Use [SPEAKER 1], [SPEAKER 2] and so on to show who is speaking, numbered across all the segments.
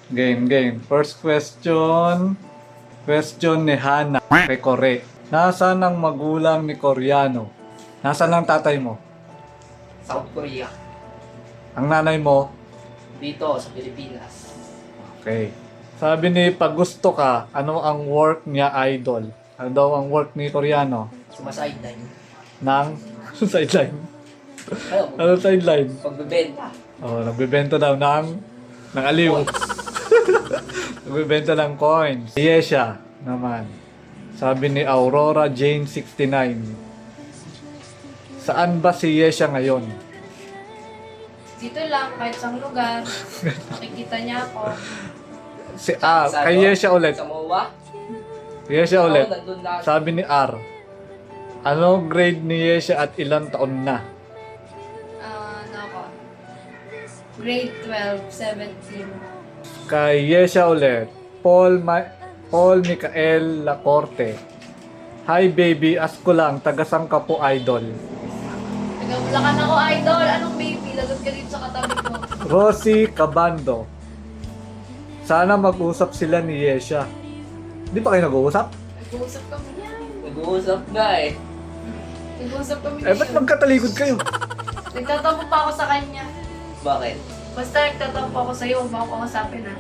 [SPEAKER 1] Game. First question. Question ni Hana kay Kore. Nasaan ang magulang ni Koreano? Nasaan ang tatay mo?
[SPEAKER 2] South Korea.
[SPEAKER 1] Ang nanay mo?
[SPEAKER 2] Dito sa Pilipinas.
[SPEAKER 1] Okay. Sabi ni pag gusto ka, ano ang work niya idol? Ano daw ang work ni Koreano?
[SPEAKER 2] Sumasideline.
[SPEAKER 1] Nang sideline.
[SPEAKER 2] Ano?
[SPEAKER 1] Ano sideline?
[SPEAKER 2] Pagbebenta.
[SPEAKER 1] Oh, nagbebenta daw ng aliw. Nagbebenta ng coins. Yesha naman. Sabi ni Aurora Jane 69. Saan ba si Yesha ngayon?
[SPEAKER 3] Dito lang, kahit sa lugar. Nakikita niya ako.
[SPEAKER 1] Kay Yesha ulit.
[SPEAKER 2] Sa MOA.
[SPEAKER 1] Yesha ulit.
[SPEAKER 2] Oo, nandun lahat.
[SPEAKER 1] Sabi ni R. Ano grade ni Yesha at ilang taon na?
[SPEAKER 3] Ano ako? Grade 12, 17.
[SPEAKER 1] Kay Yesha ulit. Paul Michael Lacorte. Hi baby, ask ko lang, tagasang ka po idol.
[SPEAKER 3] Nagabulakan ako, idol. Anong baby? Lagot ka dito sa katabi ko.
[SPEAKER 1] Rosie Cabando. Sana mag-usap sila ni Yesha. Di ba kayo nag-uusap?
[SPEAKER 3] Nag-uusap kami niyan.
[SPEAKER 2] Nag-uusap nga eh.
[SPEAKER 3] Nag-uusap kami
[SPEAKER 1] Eh, ba't
[SPEAKER 3] niyan.
[SPEAKER 1] magkatalikod kayo?
[SPEAKER 3] Nagtatampo pa ako sa kanya.
[SPEAKER 2] Bakit?
[SPEAKER 3] Basta nagtatampo ako sa'yo, huwag mo ako kausapin ha.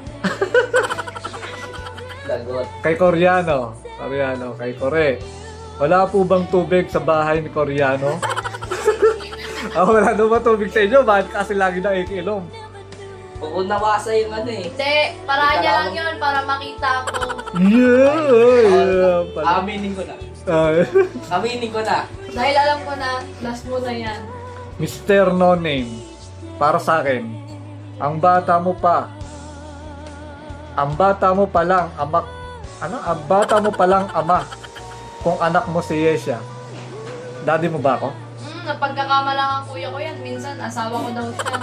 [SPEAKER 2] Lagot.
[SPEAKER 1] Kay Koreano, kay Kore. Wala po bang tubig sa bahay ni Koreano? Wala daw ba tubig sa inyo? Bakit kasi lagi na ikiinom?
[SPEAKER 2] Pupunawasa yung ano eh.
[SPEAKER 3] Hindi, paraan niya lang yun para makita ako.
[SPEAKER 1] Yeah! Pala.
[SPEAKER 2] Aminin ko na.
[SPEAKER 1] Ah,
[SPEAKER 2] Aminin ko na.
[SPEAKER 3] Dahil alam ko na, last mo na yan.
[SPEAKER 1] Mr. No Name, para sa akin, ang bata mo pa lang ama kung anak mo si Yesha. Daddy mo ba ako?
[SPEAKER 3] Napagkakamalang ang kuya ko yan. Minsan, asawa ko daw siya.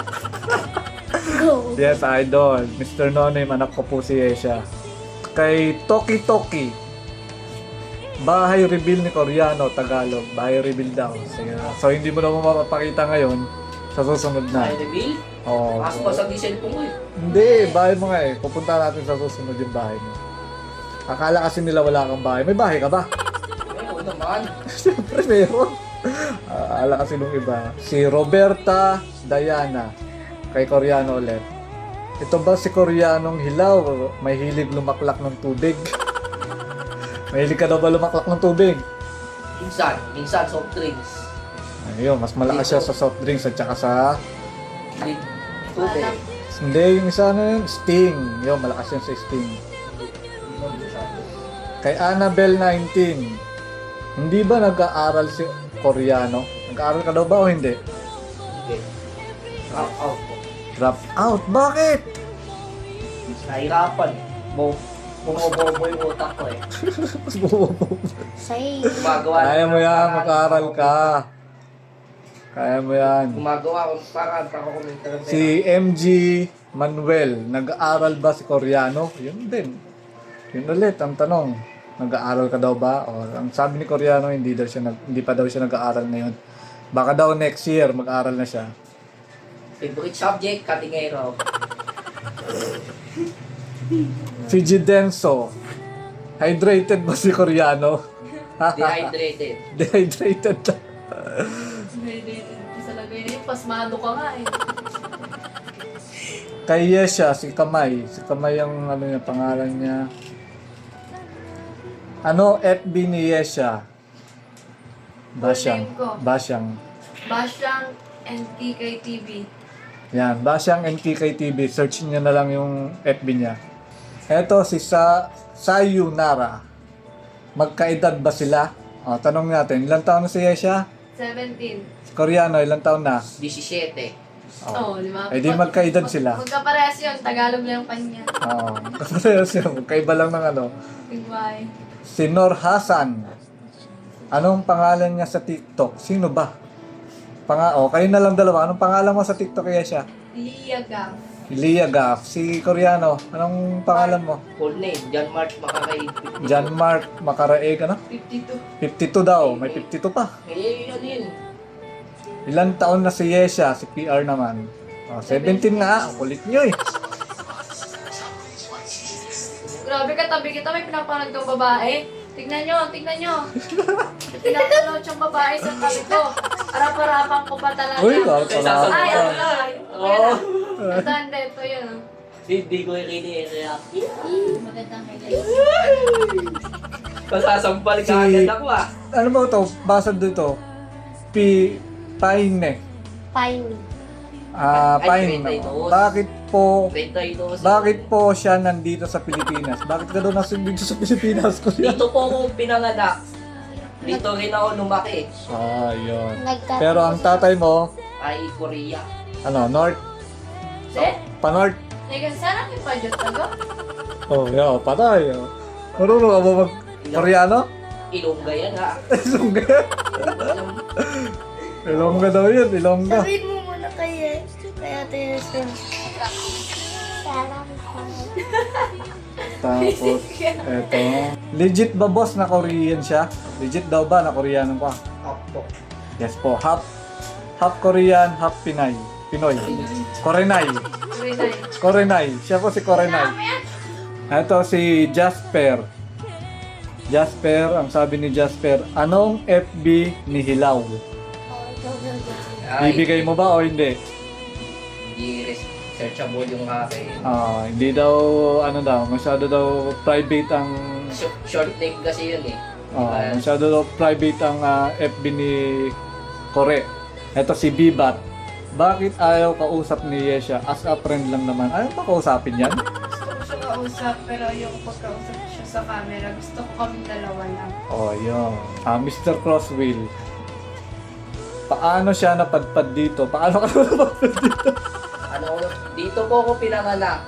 [SPEAKER 1] Yes, idol. Mr. No Name, anak ko po si Yesha. Kay Toki Toki, bahay reveal ni Koreano, Tagalog. Bahay reveal daw. Sige. So, hindi mo na mapapakita ngayon sa susunod na.
[SPEAKER 2] Ay, reveal?
[SPEAKER 1] Oo.
[SPEAKER 2] Pasok ko sa cellphone ko eh.
[SPEAKER 1] Hindi, bahay mo nga eh. Pupunta natin sa susunod yung bahay mo. Akala kasi nila wala kang bahay. May bahay ka ba?
[SPEAKER 2] Ayun naman.
[SPEAKER 1] Siyempre meron. Akala kasi nung iba. Si Roberta Diana. Kay Koreano ulit. Ito ba si Koreanong hilaw? May hilig lumaklak ng tubig. Mahilig ka daw ba lumaklak ng tubig?
[SPEAKER 2] Minsan soft drinks.
[SPEAKER 1] Ayun, mas malakas siya sa soft drinks at saka sa...
[SPEAKER 2] Tubig.
[SPEAKER 1] Hindi, yung isa na yun, Sting. Yun, malakas yan sa Sting. Kay Annabelle 19. Hindi ba nag-aaral si Koreano? Nag-aaral ka daw ba o hindi?
[SPEAKER 2] Okay. Drop out po.
[SPEAKER 1] Drop out? Bakit?
[SPEAKER 2] Nahirapan. Bumobobo yung utak ko eh.
[SPEAKER 1] Mas bumubo.
[SPEAKER 3] Say.
[SPEAKER 2] Gumagawa.
[SPEAKER 1] Kaya mo yan, mag-aaral ka. Kaya mo yan.
[SPEAKER 2] Gumagawa ko para kumita ng pera.
[SPEAKER 1] Si MG Manuel, nag-aaral ba si Koreano? Yun din. Yun ulit ang tanong. Nag-aaral ka daw ba? O, ang sabi ni Koreano, hindi pa daw siya nag-aaral ngayon. Baka daw next year mag-aaral na siya.
[SPEAKER 2] Favorite subject, katingero.
[SPEAKER 1] Si Gidenso, hydrated ba si Koreano?
[SPEAKER 2] Dehydrated.
[SPEAKER 1] Dehydrated na.
[SPEAKER 3] Sa lagay na yun, pasmado ka nga eh.
[SPEAKER 1] Kay Yesha, si Kamay. Si Kamay ang pangalan niya. Ano FB ni Yesha? Basyang.
[SPEAKER 3] Full name ko.
[SPEAKER 1] Basyang.
[SPEAKER 3] Basyang and TKTV.
[SPEAKER 1] Yan, Basyang NTK TV. Search niyo na lang yung FB niya. Eto si Sayonara. Magkaedad ba sila? O, tanong natin, ilang taon na si Yesha?
[SPEAKER 3] 17.
[SPEAKER 1] Si Koreano, ilang taon na?
[SPEAKER 2] 17.
[SPEAKER 3] Oo, di ba?
[SPEAKER 1] Eh di magkaedad sila.
[SPEAKER 3] Magkaparehas yun, Tagalog lang pa niya.
[SPEAKER 1] Oo. Magkaiba lang ng ano.
[SPEAKER 3] Goodbye.
[SPEAKER 1] Si Nor Hasan. Anong pangalan niya sa TikTok? Sino ba? Kayo na lang dalawa. Anong pangalan mo sa TikTok kaya siya?
[SPEAKER 3] Lia Gam.
[SPEAKER 1] Lia Gaff. Si Koreano. Anong pangalan mo?
[SPEAKER 2] Full name, John Mark Makakain.
[SPEAKER 1] John Mark Makaraeg, ano?
[SPEAKER 3] 52.
[SPEAKER 1] 52 daw. May 52 pa.
[SPEAKER 2] Eh, yun yun.
[SPEAKER 1] Ilang taon na si Yesha? Si PR naman. 17 nga. Kulit nyo eh.
[SPEAKER 3] Grabe ka, tabi kita, may pinapanood kang babae. Tignan nyo, tignan nyo. Pinapanood siyang babae sa tabi ko. Harap-harapan ko pa talaga.
[SPEAKER 1] Uy,
[SPEAKER 3] Ay,
[SPEAKER 1] salamat.
[SPEAKER 3] ano na. Okay na. Ito, hindi. Ito yun.
[SPEAKER 2] Hindi ko i-react.
[SPEAKER 3] Magandang kailangan.
[SPEAKER 2] Pasasampal ka
[SPEAKER 1] Si-
[SPEAKER 2] agad ako ah.
[SPEAKER 1] Ano ba ito? Basa dito. Paine.
[SPEAKER 4] Fine.
[SPEAKER 2] Ay,
[SPEAKER 1] Paine.
[SPEAKER 2] 32.
[SPEAKER 1] Bakit po siya nandito sa Pilipinas? Bakit ka daw nasa dito sa Pilipinas? Kuya?
[SPEAKER 2] Dito po ako pinanganak. Dito rin ako lumaki.
[SPEAKER 1] Yun.
[SPEAKER 4] Nagka-
[SPEAKER 1] Pero ang tatay mo,
[SPEAKER 2] Ay, Korea.
[SPEAKER 1] ano, North?
[SPEAKER 3] Eh?
[SPEAKER 1] Pa-North?
[SPEAKER 3] Nigga, sana may padyot tago?
[SPEAKER 1] Oh, yeah, patay. Oh. Marunong ka ba mag-Koreano?
[SPEAKER 2] Ilongga yan ha.
[SPEAKER 1] Ilongga. Ilongga daw yun, Ilongga.
[SPEAKER 4] Sabihin mo muna kaya tayo sa... Sarang
[SPEAKER 1] Tapos, eto. Legit ba boss na Korean siya? Legit daw ba na Koreano pa?
[SPEAKER 2] Opo.
[SPEAKER 1] Yes po, half Korean, half Pinay. Pinoy. Korenay.
[SPEAKER 3] Rinay.
[SPEAKER 1] Korenay. Siya po si Korenay. Ito si Jasper. Jasper, ang sabi ni Jasper, anong FB ni Hilaw?
[SPEAKER 2] Ay,
[SPEAKER 1] Bibigay mo ba o hindi?
[SPEAKER 2] hindi searchable yung akin.
[SPEAKER 1] Hindi daw, ano daw, masyado daw private ang,
[SPEAKER 2] Short name kasi yun eh.
[SPEAKER 1] masyado daw private ang FB ni Kore. Ito si Bibat. Bakit ayaw kausap ni Yesha? As a friend lang naman. Ayaw pa kausapin yan?
[SPEAKER 3] Gusto ko siya kausap, pero ayoko pagkausap siya sa camera. Gusto ko kaming dalawa lang.
[SPEAKER 1] Yun. Mr. Crosswheel. Paano siya napadpad dito? Paano ka napadpad dito?
[SPEAKER 2] Dito po ako pinanganak.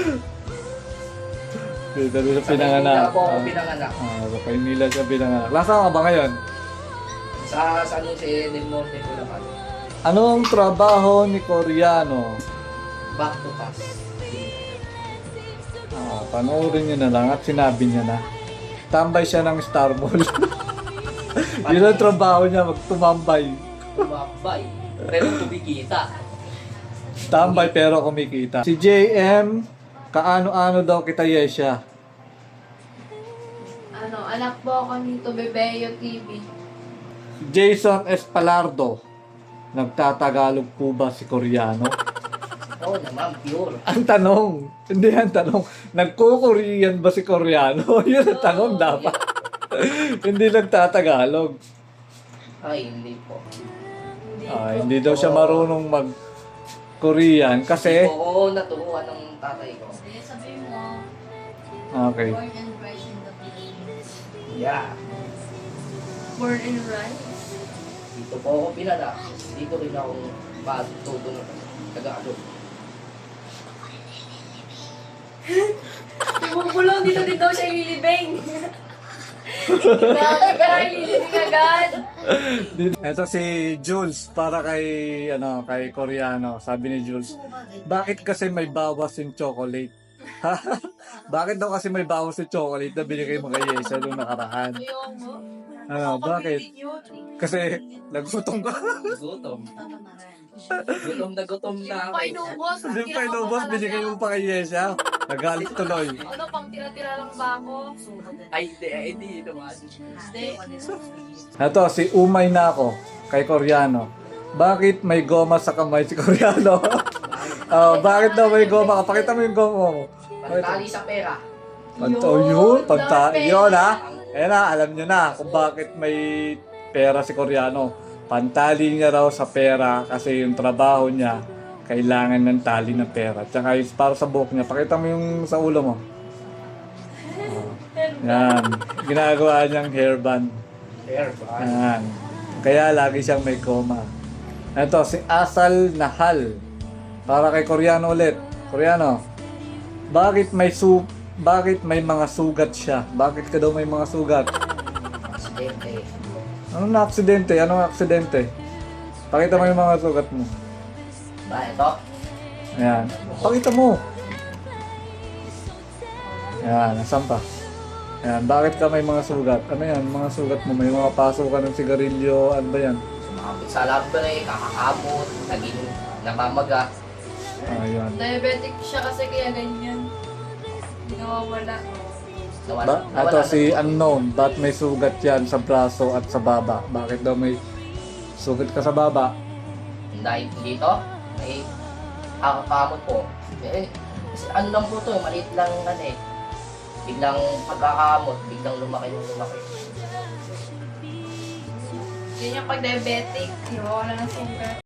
[SPEAKER 1] Dito siya
[SPEAKER 2] Sa
[SPEAKER 1] pinanganak.
[SPEAKER 2] Maynila po ako pinanganak.
[SPEAKER 1] Sa Maynila siya pinanganak. Lasa ka ba ngayon?
[SPEAKER 2] Sa San Jose del Monte po lang kami.
[SPEAKER 1] Anong trabaho ni Koreano?
[SPEAKER 2] Back to pass.
[SPEAKER 1] Panoorin niyo na lang at sinabi niya na. Tambay siya ng Star Mall. Yun ang trabaho niya, magtumambay.
[SPEAKER 2] Tumambay. Pero kumikita.
[SPEAKER 1] Tambay pero kumikita. Si JM, kaano-ano daw kita Yesha?
[SPEAKER 3] Ano, anak po ako nito, Bebeyo TV.
[SPEAKER 1] Jason Espalardo, nagtatagalog po ba si Koreano?
[SPEAKER 2] Oo naman, pure.
[SPEAKER 1] Ang tanong, hindi ang tanong, nagko-Korean ba si Koreano? Yun ang tanong dapat. Hindi nagtatagalog.
[SPEAKER 2] Ay, hindi po.
[SPEAKER 1] Hindi daw siya marunong mag-Korean kasi...
[SPEAKER 2] Hindi po ako naturuan ng tatay ko.
[SPEAKER 3] Sige, sabihin mo,
[SPEAKER 1] Okay.
[SPEAKER 3] born and raised in the Philippines.
[SPEAKER 2] Yeah.
[SPEAKER 3] Born and raised?
[SPEAKER 2] Dito po ako pinanak. Dito rin ako matuto na Tagalog.
[SPEAKER 3] Bumulong, dito din daw siya ililibing. Grabe ka na ililibing agad.
[SPEAKER 1] Ito si Jules para kay Koreano. Sabi ni Jules, bakit kasi may bawas yung chocolate? Bakit daw kasi may bawas yung chocolate na binigay mo kay Yesha nung nakaraan? Bakit? Kasi nagutom ka.
[SPEAKER 2] Gutom. Gutom na ako.
[SPEAKER 3] Painubos.
[SPEAKER 1] Hindi pa inubos, binigay mo pa kay Yesha. Nagalit tuloy.
[SPEAKER 3] Ano, pang tira-tira lang ba ako?
[SPEAKER 2] Ay, hindi naman.
[SPEAKER 3] Hindi.
[SPEAKER 1] Ito, si Umay na ako kay Koreano. Bakit may goma sa kamay si Koreano? Bakit daw may goma? Pakita mo yung goma mo.
[SPEAKER 2] Pantali sa pera.
[SPEAKER 1] Pantali yun ha. Ayan na, alam nyo na kung bakit may pera si Koreano. Pantali niya raw sa pera kasi yung trabaho niya kailangan ng tali ng pera. Tsaka yung para sa buhok niya. Pakita mo yung sa ulo mo. Yan. Ginagawa niyang hairband.
[SPEAKER 2] Hair ba?
[SPEAKER 1] Yan. Kaya lagi siyang may coma. Ito, si Asal Nahal. Para kay Koreano ulit. Koreano, bakit may mga sugat siya? Bakit ka daw may mga sugat?
[SPEAKER 2] Aksidente.
[SPEAKER 1] Anong na-aksidente? Anong aksidente? Pakita mo yung mga sugat mo.
[SPEAKER 2] Ba, ito?
[SPEAKER 1] Ayan. Pakita mo. Ayan, nasan pa? Ayan, bakit ka may mga sugat? Ano yan? Mga sugat mo, may mga paso ka ng sigarilyo, ano ba yan?
[SPEAKER 2] Sumakapit sa labre, kakakamot, naging namamaga.
[SPEAKER 1] Ayan.
[SPEAKER 3] Diabetic siya kasi kaya ganyan. Hindi nawawala.
[SPEAKER 1] Ato si Unknown, ba't may sugat yan sa braso at sa baba? Bakit daw may sugat ka sa baba?
[SPEAKER 2] Dahil dito, may kakakamot po. Kasi ano lang po to, maliit lang biglang pagkakamot, biglang lumaki.
[SPEAKER 3] Yun yung pag-diabetic. Iwawa na ng sugar.